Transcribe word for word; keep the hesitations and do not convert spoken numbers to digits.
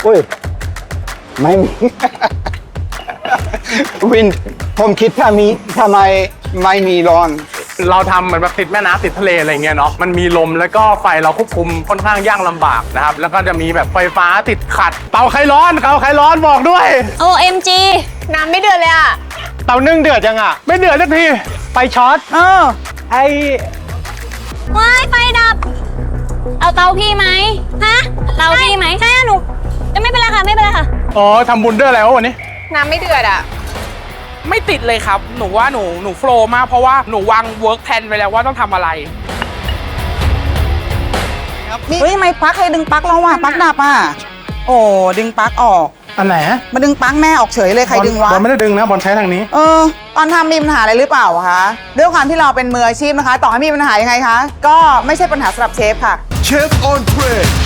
อุ้ยไม่มี วินผมคิดถ้ามีทำไมไม่มีร้อนเราทำเหมือนแบบติดแม่น้ำติดทะเลอะไรเงี้ยเนาะมันมีลมแล้วก็ไฟเราควบคุมค่อนข้างยากลำบากนะครับแล้วก็จะมีแบบไฟฟ้าติดขัดเตาไขร้อนเตาไขร้อนบอกด้วยโอ เอ็ม จี น้ำไม่เดือดเลยอ่ะเตานึ่งเดือดยังอ่ะไม่เดือดสักทีไฟช็อตเออไอว้ายไฟดับ เอาเตาพี่ไหมฮะ เตาพี่ไหมใช่หนูไม่เป็นไรค่ะ ไม่เป็นไรค่ะอ๋อทำบุญด้วยอะไรวะวันนี้น้ำไม่เดือดอ่ะไม่ติดเลยครับ หนูว่าหนูหนูโฟล์มากเพราะว่าหนูวางเวิร์กแพลนไว้แล้วว่าต้องทำอะไรเฮ้ยทำไมปลั๊กให้ดึงปลั๊กเราอ่ะปลั๊กดับอ่ะโอ้ดึงปลั๊กออกอันไหนมาดึงปลั๊กแม่ออกเฉยเลยใครดึงวะบอลไม่ได้ดึงนะบอลใช้ทางนี้เออตอนทำมีปัญหาอะไรหรือเปล่าคะด้วยความที่เราเป็นมืออาชีพนะคะ ต่อให้มีปัญหายังไงคะก็ไม่ใช่ปัญหาสำหรับเชฟค่ะเชฟออนเทรน